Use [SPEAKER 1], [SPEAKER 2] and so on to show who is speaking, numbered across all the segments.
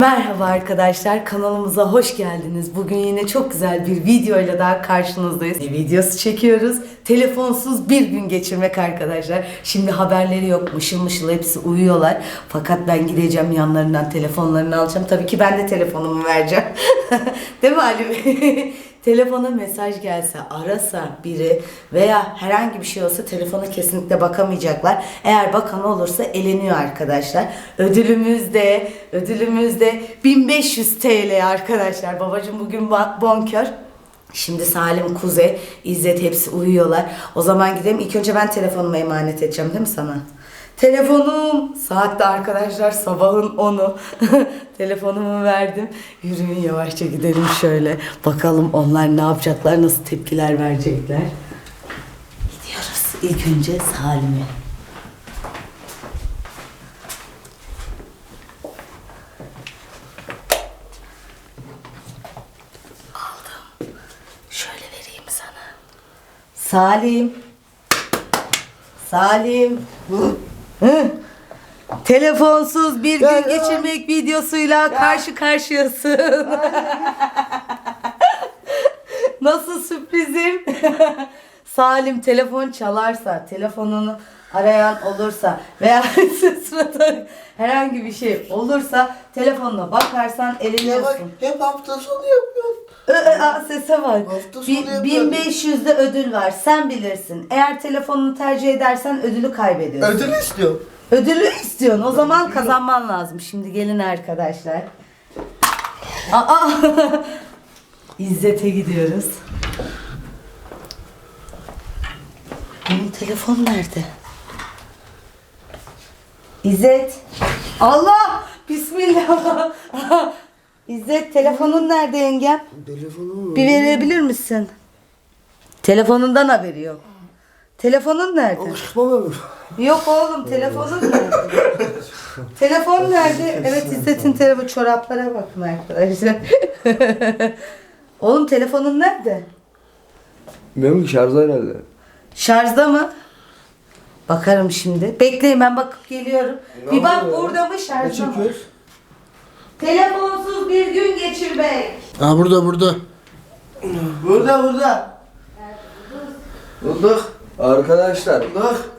[SPEAKER 1] Merhaba arkadaşlar, kanalımıza hoş geldiniz. Bugün yine çok güzel bir videoyla daha karşınızdayız. Bir videosu çekiyoruz. Telefonsuz bir gün geçirmek arkadaşlar. Şimdi haberleri yok, mışıl mışıl hepsi uyuyorlar. Fakat ben gideceğim yanlarından telefonlarını alacağım. Tabii ki ben de telefonumu vereceğim. Değil mi Ali Bey? Telefona mesaj gelse, arasa biri veya herhangi bir şey olsa telefona kesinlikle bakamayacaklar. Eğer bakan olursa eleniyor arkadaşlar. Ödülümüz de 1500 TL arkadaşlar. Babacığım bugün bonkör. Şimdi Salim, Kuzey, İzzet hepsi uyuyorlar. O zaman gidelim. İlk önce ben telefonumu emanet edeceğim değil mi sana? Telefonum. Saatte arkadaşlar sabahın 10'u. Telefonumu verdim. Yürüyün yavaşça gidelim şöyle. Bakalım onlar ne yapacaklar, nasıl tepkiler verecekler. Gidiyoruz. İlk önce Salim'e. Aldım. Şöyle vereyim sana. Salim. Salim. Hı? Telefonsuz bir gün geçirmek videosuyla karşı karşıyasın. Nasıl sürprizim? Salim, telefon çalarsa, telefonunu arayan olursa veya sırada herhangi bir şey olursa telefonuna bakarsan eleniyorsun.
[SPEAKER 2] Hep hafta sonu yapıyorsun.
[SPEAKER 1] Sese bak. 1500'de ödül var. Sen bilirsin. Eğer telefonunu tercih edersen ödülü kaybediyorsun.
[SPEAKER 2] Ödül istiyorum.
[SPEAKER 1] Ödülü istiyorsun. O zaman kazanman lazım. Şimdi gelin arkadaşlar. İzzet'e gidiyoruz. Benim telefon nerede? İzzet. Allah! Bismillah. İzzet, telefonun nerede yengem?
[SPEAKER 2] Telefonum
[SPEAKER 1] Bir verebilir misin? Telefonundan haberi yok. Telefonun nerede? Yok oğlum, telefonun nerede? Telefon nerede? Evet, İzzet'in telefonu. Çoraplara bakın arkadaşlar. Oğlum telefonun nerede?
[SPEAKER 2] Benim şarjda herhalde.
[SPEAKER 1] Şarjda mı? Bakarım şimdi. Bekleyin, ben bakıp geliyorum. Bir bak burada mı, şarjda mı? Telefonsuz bir gün geçirmek.
[SPEAKER 2] Ha burada. Burada. Bulduk. Arkadaşlar. Bulduk.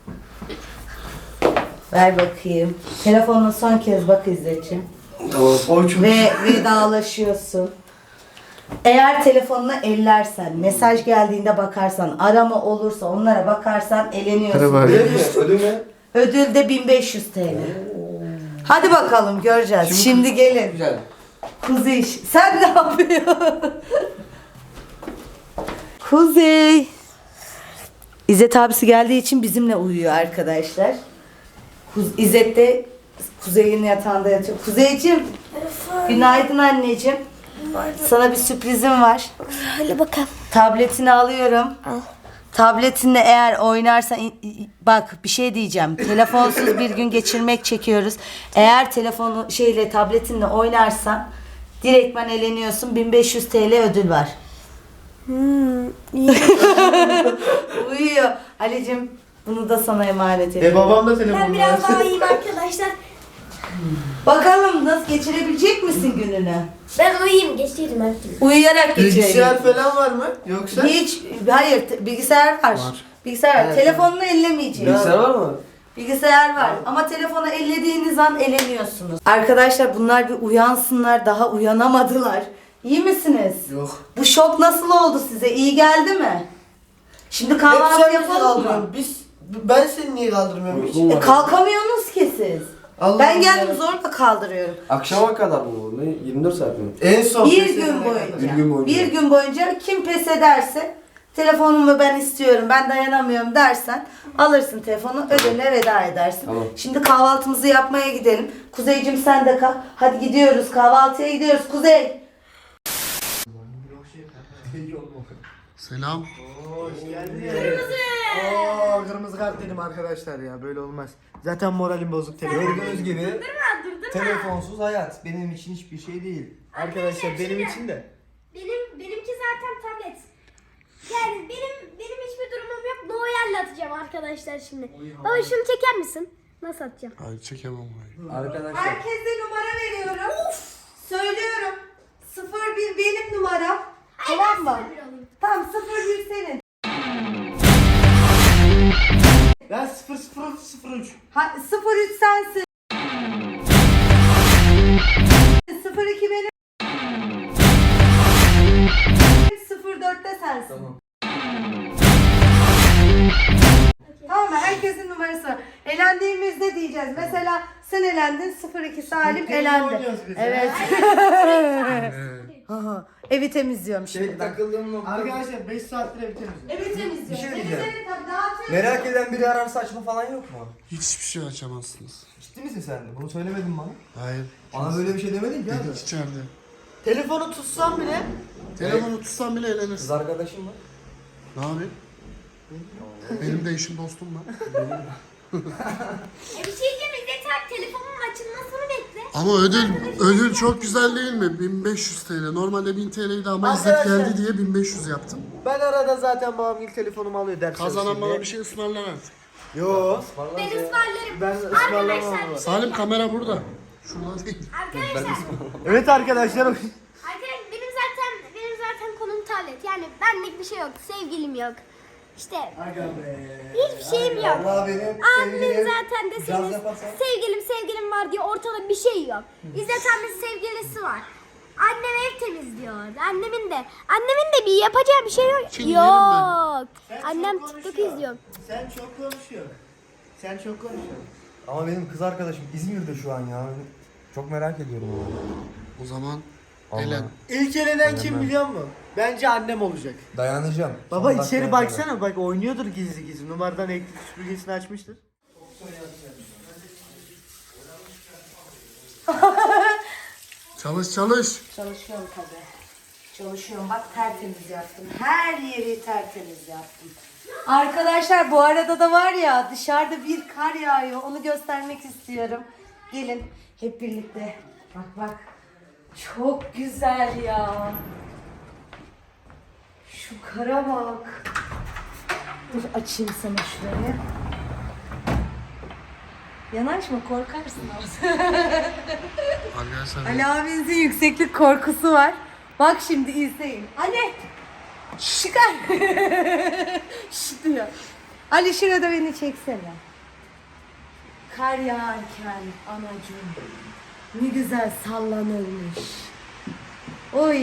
[SPEAKER 1] Ver bakayım. Telefonuna son kez bak İzzet'ciğim.
[SPEAKER 2] Tamam.
[SPEAKER 1] Ve vedalaşıyorsun. Eğer telefonuna ellersen, mesaj geldiğinde bakarsan, arama olursa onlara bakarsan eleniyorsun.
[SPEAKER 2] Ödül ne?
[SPEAKER 1] Ödül de 1500 TL. Hadi bakalım, göreceğiz. Şimdi gelin.
[SPEAKER 2] Güzel.
[SPEAKER 1] Kuzey, sen ne yapıyorsun? Kuzey. İzzet abisi geldiği için bizimle uyuyor arkadaşlar. İzzet de Kuzey'in yatağında yatıyor. Kuzeyciğim, günaydın anneciğim. Sana bir sürprizim var.
[SPEAKER 3] Hadi bakalım.
[SPEAKER 1] Tabletini alıyorum.
[SPEAKER 3] Al.
[SPEAKER 1] Tabletinle eğer oynarsan, bak bir şey diyeceğim. Telefonsuz bir gün geçirmek çekiyoruz. Eğer telefonu tabletinle oynarsan direktmen eleniyorsun. 1500 TL ödül var.
[SPEAKER 3] İyi.
[SPEAKER 1] Uyuyor. Ali'cim, bunu da sana emanet ediyorum.
[SPEAKER 2] Babam da telefonu
[SPEAKER 3] Ben biraz daha iyiyim arkadaşlar.
[SPEAKER 1] Bakalım nasıl geçirebilecek misin gününü?
[SPEAKER 3] Ben uyuyayım, geçeyim artık.
[SPEAKER 1] Uyuyarak
[SPEAKER 2] Bilgisayar
[SPEAKER 1] geçirelim.
[SPEAKER 2] falan var mı? Yoksa?
[SPEAKER 1] Hiç, hayır, bilgisayar var. Bilgisayar var.
[SPEAKER 2] Evet.
[SPEAKER 1] Telefonunu ellemeyeceksin.
[SPEAKER 2] var mı?
[SPEAKER 1] Bilgisayar var ama telefonu ellediğiniz an eleniyorsunuz. Arkadaşlar, bunlar bir uyansınlar, daha uyanamadılar. İyi misiniz?
[SPEAKER 2] Yok.
[SPEAKER 1] Bu şok nasıl oldu size? İyi geldi mi? Şimdi kahvaltı yapalım mı?
[SPEAKER 2] Ben seni niye kaldırmıyorum hiç?
[SPEAKER 1] Kalkamıyorsunuz ki siz.
[SPEAKER 2] Allah
[SPEAKER 1] Ben
[SPEAKER 2] Allah.
[SPEAKER 1] geldim zorla kaldırıyorum.
[SPEAKER 4] Akşama kadar mı bu? Ne? 24 saat mi?
[SPEAKER 2] En son
[SPEAKER 1] Bir
[SPEAKER 2] pes
[SPEAKER 1] gün
[SPEAKER 2] edene
[SPEAKER 1] boyunca.
[SPEAKER 2] kadar.
[SPEAKER 4] Bir gün boyunca.
[SPEAKER 1] Bir gün boyunca kim pes ederse, telefonumu ben istiyorum, ben dayanamıyorum dersen alırsın telefonu, ödüle veda edersin.
[SPEAKER 4] Tamam.
[SPEAKER 1] Şimdi kahvaltımızı yapmaya gidelim. Kuzeycim sen de kalk. Hadi gidiyoruz, kahvaltıya gidiyoruz Kuzey.
[SPEAKER 2] Selam. Hoş geldin. Kırmızı kart dedim arkadaşlar ya, böyle olmaz. Zaten moralim bozuk telefon.
[SPEAKER 4] Gördüğünüz gibi telefonsuz hayat benim için hiçbir şey değil.
[SPEAKER 2] Arkadaşlar benim için de.
[SPEAKER 3] Benimki zaten tablet. Yani benim hiçbir durumum yok. Doğayla atacağım arkadaşlar şimdi. Baba şunu çeker misin? Nasıl atacağım?
[SPEAKER 5] Hayır çekemem orayı.
[SPEAKER 4] Arkadaşlar.
[SPEAKER 1] Herkese numara veriyorum. Söylüyorum. 01 benim numaram. Tamam mı? Tamam 01 senin.
[SPEAKER 2] Ben 0003.
[SPEAKER 1] 03 sensin. 02 benim. 04'te sensin.
[SPEAKER 4] Tamam.
[SPEAKER 1] Tamam mı? Herkesin numarası var. Elendiğimizde diyeceğiz. Mesela sen elendin 02 Salim
[SPEAKER 2] Tekne
[SPEAKER 1] elendi.
[SPEAKER 2] oynuyoruz biz.
[SPEAKER 1] Evet. Aha, evi temizliyorum
[SPEAKER 4] Şey
[SPEAKER 1] şimdi ben.
[SPEAKER 4] takıldığım nokta.
[SPEAKER 2] Arkadaşlar 5 saattir ev temizliyorum.
[SPEAKER 1] Evi temizliyorum.
[SPEAKER 4] Bir şey
[SPEAKER 1] Evi
[SPEAKER 4] diyeceğim.
[SPEAKER 1] senin tabii dağıtıyorum.
[SPEAKER 4] Merak eden biri ararsa açma falan yok mu?
[SPEAKER 5] Hiçbir şey açamazsınız.
[SPEAKER 4] Ciddi misin sen de? Bunu söylemedin bana.
[SPEAKER 5] Hayır.
[SPEAKER 4] Bana böyle bir şey demedin ki abi.
[SPEAKER 5] Dedik içeride.
[SPEAKER 2] Telefonu tutsam bile
[SPEAKER 5] Telefonu tutsan bile
[SPEAKER 4] Kız
[SPEAKER 5] eğlenirsin.
[SPEAKER 4] arkadaşım var.
[SPEAKER 5] Ne yapayım? Benim de eşim dostum var.
[SPEAKER 3] Bir şey diyeceğim. İzzet abi telefonun açılmasını bekle.
[SPEAKER 5] Ama ödül çok güzel değil mi? 1500 TL. Normalde 1000 TL'ydi ama İzzet
[SPEAKER 2] Arkadaşlar-
[SPEAKER 5] geldi diye 1500 yaptım.
[SPEAKER 2] ben arada zaten babam ilk telefonumu alıyor ders
[SPEAKER 5] Kazanan
[SPEAKER 2] çalışayım
[SPEAKER 5] bana
[SPEAKER 2] diye.
[SPEAKER 5] bir şey ısmarlar artık.
[SPEAKER 2] Yo.
[SPEAKER 3] Ben ısmarlarım.
[SPEAKER 2] Ben ısmarlamam
[SPEAKER 3] Arkadaşlar,
[SPEAKER 2] ama.
[SPEAKER 5] Salim kamera burada. Şurada değil.
[SPEAKER 3] Arkadaşlar,
[SPEAKER 2] Evet arkadaşlar.
[SPEAKER 3] benim zaten konum tablet. Yani benlik bir şey yok. Sevgilim yok. İşte
[SPEAKER 2] Aga be.
[SPEAKER 3] hiçbir şeyim yok.
[SPEAKER 4] Allah benim
[SPEAKER 3] Abimin
[SPEAKER 4] sevgilim.
[SPEAKER 3] zaten
[SPEAKER 4] Caz
[SPEAKER 3] deseniz
[SPEAKER 4] yaparsan.
[SPEAKER 3] sevgilim var diye ortada bir şey yok. İzzet abinin sevgilisi var. Annem ev temizliyor. Annemin de bir yapacağı bir şey yok.
[SPEAKER 5] Şimdi yerim ben.
[SPEAKER 3] Yok.
[SPEAKER 2] Sen
[SPEAKER 3] Annem
[SPEAKER 2] çok
[SPEAKER 3] TikTok
[SPEAKER 2] konuşuyorsun.
[SPEAKER 3] izliyor.
[SPEAKER 2] Sen çok konuşuyorsun. Sen çok konuşuyorsun.
[SPEAKER 4] Ama benim kız arkadaşım İzmir'de şu an ya. Çok merak ediyorum onu.
[SPEAKER 5] O zaman
[SPEAKER 4] Allah.
[SPEAKER 5] elen.
[SPEAKER 2] İlk elenen kim biliyor musun? Bence annem olacak.
[SPEAKER 4] Dayanacağım.
[SPEAKER 2] Baba
[SPEAKER 4] Son
[SPEAKER 2] içeri
[SPEAKER 4] dakikaya
[SPEAKER 2] baksana bak oynuyordur gizli gizli. Numaradan elektrik süpürgesini açmıştır.
[SPEAKER 5] Çalış çalış.
[SPEAKER 1] Çalışıyorum tabii. Çalışıyorum. Bak tertemiz yaptım. Her yeri tertemiz yaptım. Arkadaşlar bu arada da var ya dışarıda bir kar yağıyor. Onu göstermek istiyorum. Gelin hep birlikte. Bak bak. Çok güzel ya. Şu kara bak. Dur açayım sana şurayı. Yanaşma korkarsın az.
[SPEAKER 5] Arkadaşlar
[SPEAKER 1] Ali abinizin yükseklik korkusu var. Bak şimdi izleyin. Ali! Çıkar! Şş diyor. Ali şurada beni çeksene. Kar yağarken anacığım ne güzel sallanırmış. Oy!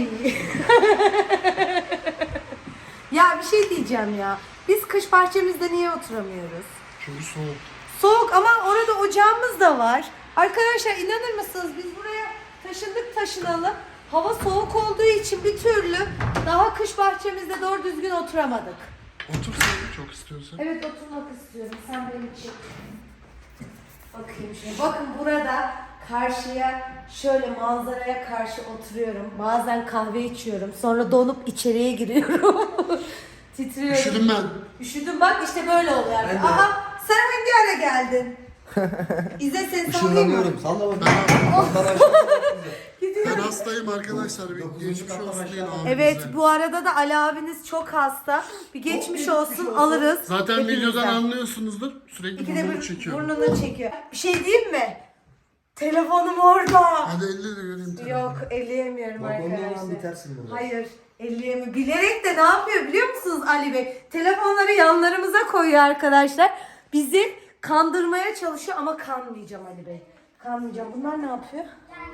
[SPEAKER 1] Ya bir şey diyeceğim ya. Biz kış bahçemizde niye oturamıyoruz?
[SPEAKER 5] çünkü soğuk.
[SPEAKER 1] Soğuk ama orada ocağımız da var. Arkadaşlar inanır mısınız biz buraya taşınalı. Hava soğuk olduğu için bir türlü daha kış bahçemizde doğru düzgün oturamadık.
[SPEAKER 5] Otur sen çok istiyorsan.
[SPEAKER 1] Evet oturmak istiyorum. Sen benim için. Bakayım şöyle. Bakın burada karşıya şöyle manzaraya karşı oturuyorum. Bazen kahve içiyorum. Sonra donup içeriye giriyorum. Titriyorum.
[SPEAKER 5] Üşüdüm ben.
[SPEAKER 1] Üşüdüm bak işte böyle oluyor. Aha sen hangi ara geldin? İzzet seni sallayayım mı?
[SPEAKER 4] Işınlanıyorum. Salla bakayım.
[SPEAKER 5] Ben hastayım arkadaşlar. Bir geçmiş olsun deyin abimize.
[SPEAKER 1] Evet bu arada da Ali abiniz çok hasta. Bir geçmiş olsun alırız.
[SPEAKER 5] Zaten
[SPEAKER 1] hepimizden.
[SPEAKER 5] videodan anlıyorsunuzdur. Sürekli
[SPEAKER 1] İkide
[SPEAKER 5] burnunu
[SPEAKER 1] bir
[SPEAKER 5] çekiyorum.
[SPEAKER 1] burnunu çekiyor. Bir şey diyeyim mi? Telefonum orada.
[SPEAKER 5] Hadi elle de göreyim telefonu.
[SPEAKER 1] Yok elleyemiyorum
[SPEAKER 4] Bak ondan
[SPEAKER 1] arkadaşlar.
[SPEAKER 4] bitersin burada.
[SPEAKER 1] Hayır elleyemiyorum. Bilerek de ne yapıyor biliyor musunuz Ali Bey? Telefonları yanlarımıza koyuyor arkadaşlar. Bizi kandırmaya çalışıyor ama kanmayacağım Ali Bey. Kanmayacağım. Bunlar ne yapıyor?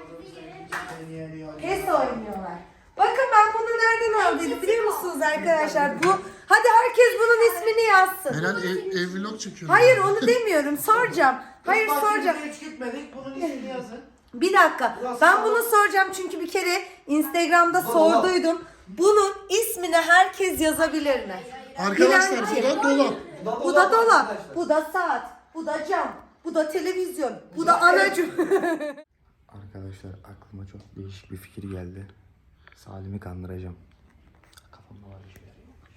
[SPEAKER 1] PES oynuyorlar. Bakın ben bunu nereden aldıydım biliyor musunuz arkadaşlar? Bu hadi herkes bunun ismini yazsın.
[SPEAKER 5] Eren ev vlog çekiyor.
[SPEAKER 1] Hayır onu demiyorum. Soracağım. Hayır soracağım.
[SPEAKER 2] Hiç gitmedik. Bunun ismini yazın.
[SPEAKER 1] Bir dakika. Ben bunu soracağım çünkü bir kere Instagram'da sorduydum. Bunun ismini herkes yazabilir mi?
[SPEAKER 5] Arkadaşlar
[SPEAKER 1] Bilen-
[SPEAKER 5] bu da dolap.
[SPEAKER 1] Bu da dolap, bu da saat, bu da cam, bu da televizyon, bu da anacım.
[SPEAKER 4] Arkadaşlar aklıma çok değişik bir fikir geldi. Salim'i kandıracağım. Kafamda var bir şeyler.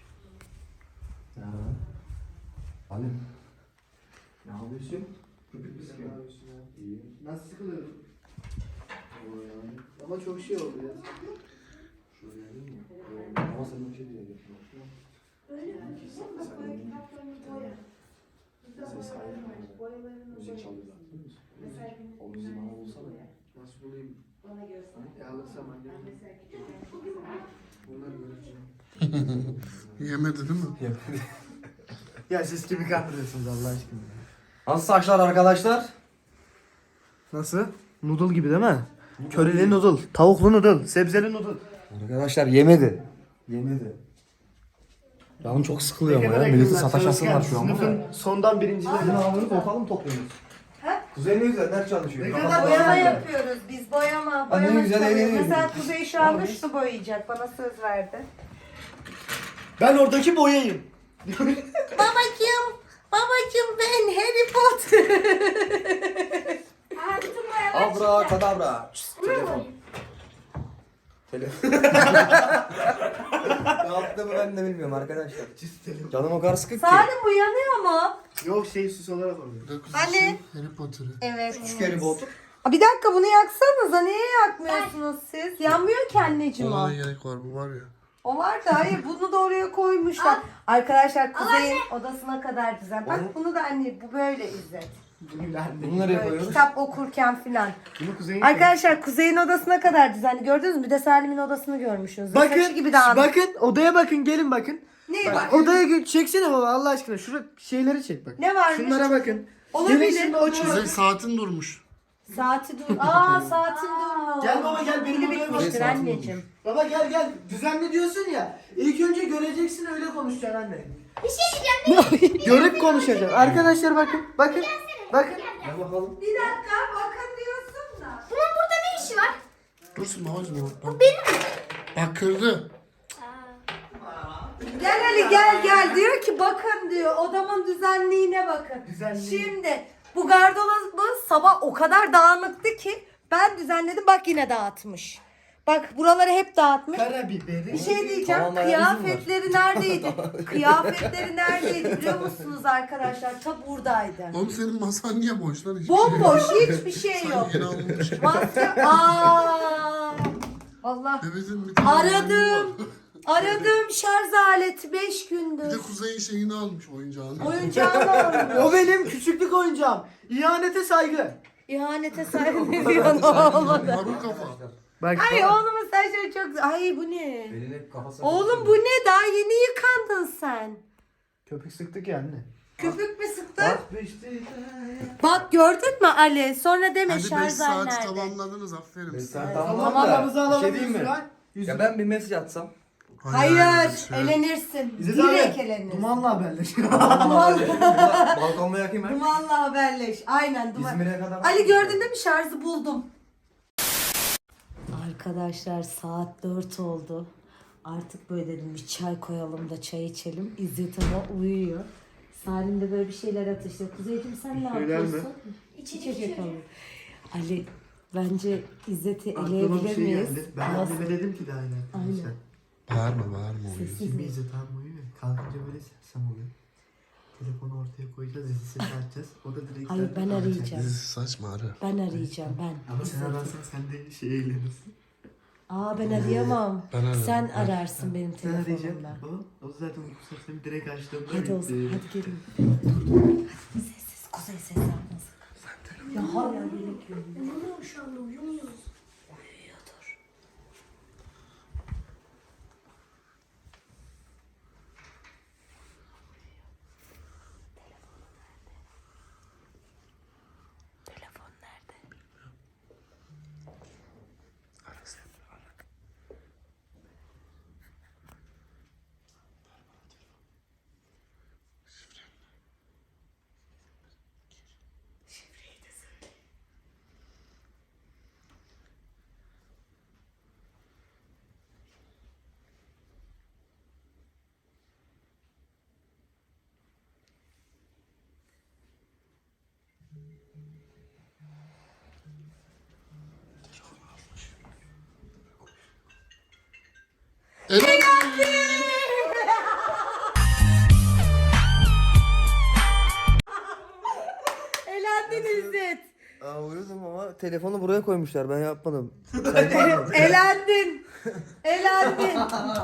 [SPEAKER 4] Salim. Ne yapıyorsun? Köpük mü sıkıyorsun? İyi.
[SPEAKER 2] Nasıl sıkılıyor? Ama çok şey oldu ya.
[SPEAKER 4] Ama sen bir şey diyeceksin. Ses kaydı. Müzik çalıyorlar. O müziği bana bulsana.
[SPEAKER 2] Nasıl bulayım? Ya alırsam annem. Bunlar göreceğim.
[SPEAKER 5] Yemedi değil mi?
[SPEAKER 2] Ya siz kimi kandırıyorsunuz Allah aşkına?
[SPEAKER 4] Nasıl saçlar arkadaşlar?
[SPEAKER 2] Nasıl? Noodle gibi değil mi? Körili noodle, tavuklu noodle, sebzeli noodle.
[SPEAKER 4] Arkadaşlar yemedi. Yemedi. Canım çok sıkılıyor ama ya. Milletin sataşası var şu an.
[SPEAKER 2] Sınıfın sondan birincileri.
[SPEAKER 4] Sizin ağzınızı ortalı mı topluyorsunuz? Kuzey ne güzel ders çalışıyor.
[SPEAKER 2] Ne
[SPEAKER 4] Kafası
[SPEAKER 2] kadar
[SPEAKER 4] boyama
[SPEAKER 6] Boyama
[SPEAKER 4] yapıyor.
[SPEAKER 6] yapıyoruz biz boyama.
[SPEAKER 4] Anne
[SPEAKER 6] Boyama
[SPEAKER 4] güzel
[SPEAKER 6] çalıyoruz.
[SPEAKER 4] eğleniyor.
[SPEAKER 6] Mesela Kuzey şu anda şunu boyayacak. Bana söz verdi.
[SPEAKER 2] Ben oradaki boyayım.
[SPEAKER 6] Babacım ben Harry Potter.
[SPEAKER 3] Artık boyamak
[SPEAKER 4] Abra kadabra. Telefon. Telefon. Ne yaptığımı ben de bilmiyorum arkadaşlar. Canım o kadar sıkık ki.
[SPEAKER 6] Salim bu yanıyor mu?
[SPEAKER 2] Yok süs olarak oluyor.
[SPEAKER 5] Bir de kuzey
[SPEAKER 6] Ali.
[SPEAKER 5] Harry Potter'ı.
[SPEAKER 6] Evet.
[SPEAKER 4] Küçük Harry Potter.
[SPEAKER 6] Aa, bir dakika bunu yaksanıza. Niye yakmıyorsunuz siz? Yanmıyor ki anneciğim o.
[SPEAKER 5] Ona ne gerek var bu var ya.
[SPEAKER 6] O var da hayır bunu da oraya koymuşlar. Arkadaşlar Kuzey'in odasına kadar düzen. Bak bunu da anne bu böyle İzzet.
[SPEAKER 4] Bunu nereye
[SPEAKER 6] Böyle
[SPEAKER 4] koyuyoruz?
[SPEAKER 6] kitap okurken filan.
[SPEAKER 2] Bunu kuzeyin.
[SPEAKER 6] Arkadaşlar Kuzey'in odasına kadar düzenli. Gördünüz mü? Bir de Salim'in odasını görmüşsünüz. Saçı
[SPEAKER 2] Bakın,
[SPEAKER 6] gibi dağınık.
[SPEAKER 2] bakın odaya bakın, gelin bakın.
[SPEAKER 6] Ne
[SPEAKER 2] Bak,
[SPEAKER 6] var?
[SPEAKER 2] odaya çeksene baba Allah aşkına. Şurada şeyleri çek bak.
[SPEAKER 6] Ne varmış?
[SPEAKER 2] Şunlara bakın.
[SPEAKER 6] Olabilir.
[SPEAKER 2] Gelin şimdi o
[SPEAKER 5] Kuzey
[SPEAKER 2] çözüm.
[SPEAKER 5] saatin durmuş.
[SPEAKER 6] Saati dur. Aa saatin durmuş.
[SPEAKER 2] Gel baba, gel, benim
[SPEAKER 6] Pili
[SPEAKER 2] odaya
[SPEAKER 6] bitmiştir
[SPEAKER 4] bak.
[SPEAKER 6] anneciğim.
[SPEAKER 2] Baba gel düzenli diyorsun ya. İlk önce göreceksin, öyle konuşacaksın anne.
[SPEAKER 3] Bir şey diyeceğim.
[SPEAKER 2] Görüp konuşacaksın. Arkadaşlar bakın. Bakın. Bakın.
[SPEAKER 4] Gel bakalım.
[SPEAKER 6] Bir dakika bakın diyorsun da.
[SPEAKER 3] Bunun burada ne işi var?
[SPEAKER 5] Dursun babacım. Bu benim mi? Bak kırdı.
[SPEAKER 6] Gel Ali gel diyor ki bakın diyor odamın düzenliğine bakın.
[SPEAKER 2] Düzenliği.
[SPEAKER 6] Şimdi bu gardırobı sabah o kadar dağınıktı ki ben düzenledim bak yine dağıtmış. Bak buraları hep dağıtmış.
[SPEAKER 2] Karabiberi.
[SPEAKER 6] Bir şey diyeceğim.
[SPEAKER 4] Tamam, ayağı izin
[SPEAKER 6] Kıyafetleri neredeydi? Kıyafetleri neredeydi biliyor musunuz arkadaşlar? Ta buradaydı.
[SPEAKER 5] Oğlum senin masan niye boş lan? Hiçbir
[SPEAKER 6] Bomboş
[SPEAKER 5] şey yok.
[SPEAKER 6] hiçbir şey yok.
[SPEAKER 5] Yeni alınmış.
[SPEAKER 6] Masya. Aa! Allah.
[SPEAKER 5] Bebeğin bir tane
[SPEAKER 6] Aradım.
[SPEAKER 5] var.
[SPEAKER 6] Aradığım şarj aleti 5
[SPEAKER 5] Bir de
[SPEAKER 6] gündür.
[SPEAKER 5] Kuzey'in şeyini almış oyuncağını.
[SPEAKER 6] Oyuncağını almış.
[SPEAKER 2] O benim küçüklük oyuncağım. İhanete saygı.
[SPEAKER 6] İhanete saygı ne diyorsun oğlum?
[SPEAKER 5] Marul kafa.
[SPEAKER 2] Bak.
[SPEAKER 6] Ay oğlumun saçları çok güzel. Ay bu ne?
[SPEAKER 4] Elin hep kafası.
[SPEAKER 6] Oğlum bu ne? Daha yeni yıkandın sen.
[SPEAKER 2] Köpük sıktık ya anne.
[SPEAKER 6] Köpük mü sıktın?
[SPEAKER 2] Atmıştı.
[SPEAKER 6] Bak gördün mü Ali? Sonra deme
[SPEAKER 5] Hadi 5
[SPEAKER 6] şarj
[SPEAKER 5] saati
[SPEAKER 6] nerede?
[SPEAKER 5] tamamladınız aferin.
[SPEAKER 4] Sen
[SPEAKER 2] Tamam,
[SPEAKER 4] tamam
[SPEAKER 2] paramızı
[SPEAKER 4] da bir
[SPEAKER 2] alalım.
[SPEAKER 4] şey diyeyim mi?
[SPEAKER 2] Yüzüğü.
[SPEAKER 4] Ya ben bir mesaj atsam.
[SPEAKER 6] Hayır,
[SPEAKER 5] şey.
[SPEAKER 6] elenirsin.
[SPEAKER 2] İzzet
[SPEAKER 6] Direkt
[SPEAKER 2] abi.
[SPEAKER 6] elenirsin.
[SPEAKER 2] Dumanla haberleş.
[SPEAKER 4] Balkonda yakayım ben.
[SPEAKER 6] Dumanla haberleş. Aynen duman.
[SPEAKER 4] İzmir'e kadar.
[SPEAKER 6] Ali gördün değil mi? Şarjı buldum. Arkadaşlar saat 4 oldu. Artık böyle dedim bir çay koyalım da çay içelim. İzzet ama uyuyor. Salim de böyle bir şeyler atıştırıyor. Kuzeyciğim sen ne
[SPEAKER 2] Şeyler mi?
[SPEAKER 6] yapıyorsun? İçecek alıyor. Ali bence İzzet'i
[SPEAKER 2] Aklıma bir
[SPEAKER 6] eleyebilir
[SPEAKER 2] şey
[SPEAKER 6] miyiz?
[SPEAKER 2] geldi. Ben
[SPEAKER 6] Nasıl?
[SPEAKER 2] anneme dedim ki daha yine.
[SPEAKER 6] Aynen.
[SPEAKER 5] Bağırma oyun.
[SPEAKER 2] Şimdi İzzet abi uyuyor. Kalkınca böyle sersem oluyor. Telefonu ortaya koyacağız, sesini açacağız. O da direkt...
[SPEAKER 6] Hayır,
[SPEAKER 2] zaten
[SPEAKER 6] ben
[SPEAKER 2] arayacak.
[SPEAKER 6] arayacağım.
[SPEAKER 5] Dizisi saçma ara.
[SPEAKER 6] Ben arayacağım ben.
[SPEAKER 2] Ama sen ararsan sen de şey eğlenirsin.
[SPEAKER 6] Aa ben arayamam.
[SPEAKER 5] Ben ararım.
[SPEAKER 6] Sen ararsın benim
[SPEAKER 2] Sen arayacaksın.
[SPEAKER 6] telefonumla.
[SPEAKER 2] O zaten uyku sesini direkt açtığımda
[SPEAKER 6] Hadi o zaman
[SPEAKER 2] bitti.
[SPEAKER 6] hadi gelin. Hadi sessiz Kuzey ses yapmasın. Ya hala gerek yok.
[SPEAKER 3] Uyumuyor şu anda uyumuyor.
[SPEAKER 6] Uyuyordur. Telefon nerede? Elendin İzzet.
[SPEAKER 4] Aa uyudum ama telefonu buraya koymuşlar ben yapmadım.
[SPEAKER 6] Elendin. Elendin.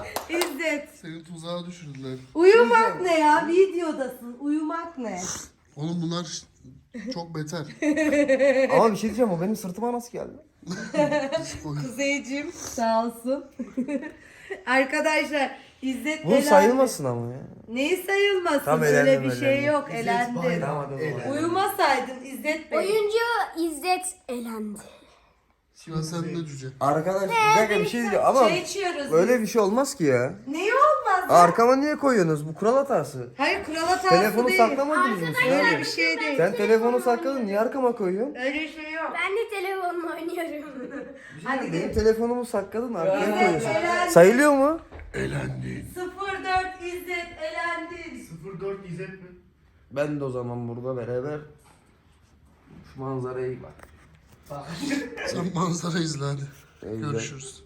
[SPEAKER 6] İzzet.
[SPEAKER 5] Seni tuzağa düşürdüler.
[SPEAKER 6] Uyumak ne ya? Videodasın. Uyumak ne?
[SPEAKER 5] Oğlum bunlar çok beter.
[SPEAKER 4] Ama bir şey diyeceğim, o benim sırtıma nasıl geldi?
[SPEAKER 1] Kuzeyciğim sağ olsun. Arkadaşlar İzzet
[SPEAKER 4] Bu
[SPEAKER 1] elendi.
[SPEAKER 4] sayılmasın ama ya.
[SPEAKER 1] Neyi sayılmasın?
[SPEAKER 4] Tamam,
[SPEAKER 1] Öyle
[SPEAKER 4] elendim,
[SPEAKER 1] bir şey
[SPEAKER 4] elendim.
[SPEAKER 1] yok. Elendin.
[SPEAKER 4] Tamam hadi o zaman.
[SPEAKER 1] Uyumasaydın İzzet Bey.
[SPEAKER 3] Oyuncu İzzet elendi.
[SPEAKER 5] Ya sen de cüce.
[SPEAKER 4] Arkadaş bir dakika bir şey diyeceğim ama
[SPEAKER 1] Çay içiyoruz.
[SPEAKER 4] böyle bir şey olmaz ki ya.
[SPEAKER 1] Neyi olmaz?
[SPEAKER 4] Arkama niye koyuyorsunuz? Bu kural hatası.
[SPEAKER 1] Hayır kural hatası
[SPEAKER 4] Telefonu
[SPEAKER 1] değil.
[SPEAKER 4] saklamadınız mı siz
[SPEAKER 1] Öyle
[SPEAKER 4] abi?
[SPEAKER 1] bir şey değil.
[SPEAKER 4] Sen telefonu sakladın, niye arkama koyuyorsun?
[SPEAKER 1] Öyle şey yok.
[SPEAKER 3] Ben de telefonla oynuyorum.
[SPEAKER 1] Hadi
[SPEAKER 4] Benim
[SPEAKER 1] gel.
[SPEAKER 4] telefonumu sakladın, arkaya
[SPEAKER 1] Evet,
[SPEAKER 4] koyuyorsun.
[SPEAKER 1] elendi.
[SPEAKER 4] Sayılıyor mu?
[SPEAKER 5] Elendin.
[SPEAKER 1] 04 İzzet elendin.
[SPEAKER 2] 04 İzzet mi?
[SPEAKER 4] Ben de o zaman burada beraber şu manzaraya iyi bak.
[SPEAKER 5] Sen manzara izle hadi.
[SPEAKER 4] Güzel.
[SPEAKER 5] Görüşürüz.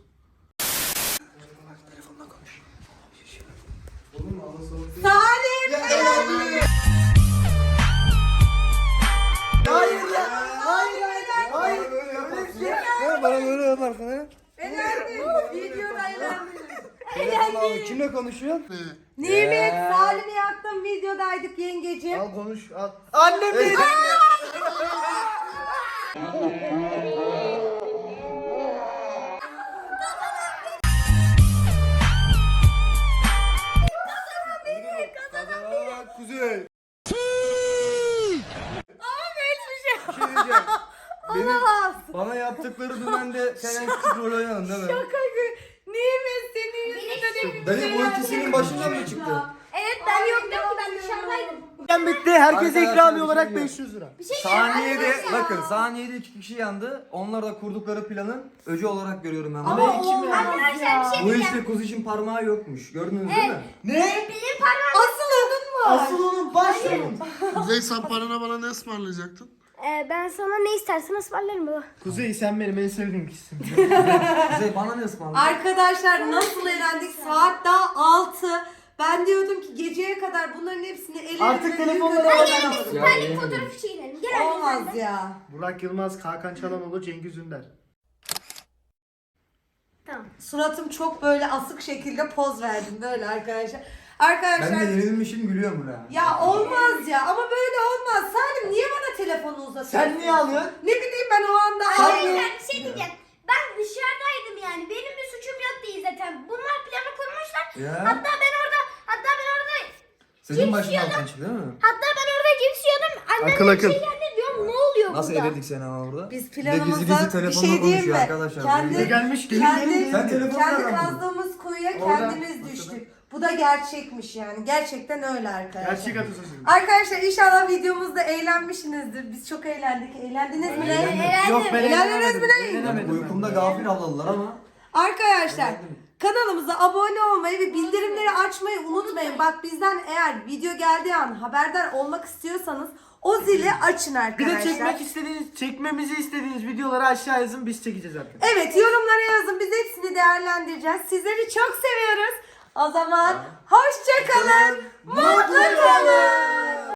[SPEAKER 1] Salim
[SPEAKER 2] Hayır ya. Hayır hayır. Hayır. Öyle bir şey.
[SPEAKER 4] Ya bana böyle yaparsın ha?
[SPEAKER 1] elendin. Videoda elendin.
[SPEAKER 4] Abi kimle konuşuyorsun?
[SPEAKER 1] Nimet Salim'i yaktım videodaydık yengeciğim.
[SPEAKER 2] Al konuş al. Annem benim.
[SPEAKER 4] Kuzey.
[SPEAKER 1] Hiçbir şey
[SPEAKER 4] Bir şey diyeceğim.
[SPEAKER 1] olamaz.
[SPEAKER 4] Bana yaptıkları dümende sen en küçük rol oynadın değil mi?
[SPEAKER 1] Şaka gibi. Nimet senin yüzünden hepimiz
[SPEAKER 4] Dayı bu
[SPEAKER 1] elendik.
[SPEAKER 4] ikisinin başından mı çıktı?
[SPEAKER 3] Evet ben yoktum ki ben dışarıdaydım.
[SPEAKER 2] Ben bitti. Herkese
[SPEAKER 4] Arkadaşlar,
[SPEAKER 2] ikramiye
[SPEAKER 4] bir
[SPEAKER 2] olarak
[SPEAKER 4] şey diyeyim.
[SPEAKER 2] 500 lira.
[SPEAKER 3] Bir şey
[SPEAKER 4] Saniyede
[SPEAKER 3] arkadaşlar.
[SPEAKER 4] bakın saniyede 2 kişi yandı. Onlar da kurdukları planın öcü olarak görüyorum ben.
[SPEAKER 1] Ama
[SPEAKER 4] bunu.
[SPEAKER 1] olmaz
[SPEAKER 3] Arkadaşlar bir
[SPEAKER 1] ya.
[SPEAKER 3] şey
[SPEAKER 4] Bu
[SPEAKER 3] diyeceğim.
[SPEAKER 4] işte kuzu için parmağı yokmuş. Gördünüz değil mi?
[SPEAKER 3] Benim parmağım.
[SPEAKER 1] Asıl onun mu?
[SPEAKER 2] Asıl onun başlığım.
[SPEAKER 5] Kuzey sen parana bana ne ısmarlayacaktın?
[SPEAKER 3] Ben sana ne istersen ısmarlarım baba.
[SPEAKER 2] Kuzey sen benim en sevdiğim kişisin.
[SPEAKER 4] Kuzey bana ne ısmarladın?
[SPEAKER 1] Arkadaşlar nasıl eğlendik? Saat daha 6. Ben diyordum ki geceye kadar bunların hepsini ellerimle
[SPEAKER 2] Artık telefonları
[SPEAKER 1] yıkadım.
[SPEAKER 2] alalım.
[SPEAKER 3] Bir tane fotoğraf çekelim. Gel anne sen
[SPEAKER 1] Olmaz
[SPEAKER 3] de.
[SPEAKER 1] ya.
[SPEAKER 2] Burak Yılmaz, Hakan Çalhanoğlu, Cengiz Ünder.
[SPEAKER 3] Tamam.
[SPEAKER 1] Suratım çok böyle asık şekilde poz verdim böyle arkadaşlar.
[SPEAKER 4] Ben
[SPEAKER 1] Arkadaşlar
[SPEAKER 4] de yenilmişim gülüyorum buna.
[SPEAKER 1] ya olmaz ya ama böyle olmaz. Salim niye bana telefonu uzatıyorsun?
[SPEAKER 2] Sen niye alıyorsun?
[SPEAKER 1] Ne bileyim ben o anda.
[SPEAKER 3] Arkadaşlar bir şey diyeceğim. Ben dışarıdaydım yani. Benim bir suçum yok değil zaten. Bunlar planı kurmuşlar.
[SPEAKER 4] Ya.
[SPEAKER 3] Hatta ben orada
[SPEAKER 4] Senin başına altın çıktı değil mi?
[SPEAKER 3] cips yiyordum. Annem
[SPEAKER 2] Akıl,
[SPEAKER 3] bir
[SPEAKER 2] akıl.
[SPEAKER 3] şey geldi diyorum. Ne oluyor
[SPEAKER 4] Nasıl
[SPEAKER 3] burada?
[SPEAKER 4] eledik seni ama burada?
[SPEAKER 1] Biz
[SPEAKER 4] Bir de gizli
[SPEAKER 1] planımızda
[SPEAKER 4] gizli
[SPEAKER 1] bir
[SPEAKER 4] telefonla
[SPEAKER 1] şey diyeyim
[SPEAKER 4] konuşuyor
[SPEAKER 1] mi?
[SPEAKER 4] arkadaşlar.
[SPEAKER 1] Kendi,
[SPEAKER 2] Ne gelmiş? Gelin
[SPEAKER 1] kendi,
[SPEAKER 2] gelin.
[SPEAKER 4] Sen telefonu
[SPEAKER 1] kendi
[SPEAKER 4] nereden buldun?
[SPEAKER 1] kazdığımız kuyuya
[SPEAKER 2] Orada,
[SPEAKER 1] kendimiz düştük. Bu da gerçekmiş yani. Gerçekten öyle arkadaşlar.
[SPEAKER 2] Gerçek atasözü.
[SPEAKER 1] Arkadaşlar inşallah videomuzda eğlenmişsinizdir. Biz çok eğlendik. Eğlendiniz mi?
[SPEAKER 2] Yok ben
[SPEAKER 1] Eğlendiniz mi?
[SPEAKER 2] eğlenemedim.
[SPEAKER 4] Uykumda gafil avladılar ama.
[SPEAKER 1] Arkadaşlar kanalımıza abone olmayı ve bildirimleri açmayı unutmayın. Bak bizden eğer video geldiği an haberdar olmak istiyorsanız o zili açın
[SPEAKER 2] Bir
[SPEAKER 1] arkadaşlar.
[SPEAKER 2] de çekmemizi istediğiniz videoları aşağı yazın biz çekeceğiz artık.
[SPEAKER 1] Evet yorumlara yazın. Biz hepsini değerlendireceğiz. Sizleri çok seviyoruz. O zaman hoşça kalın. Mutlu kalın.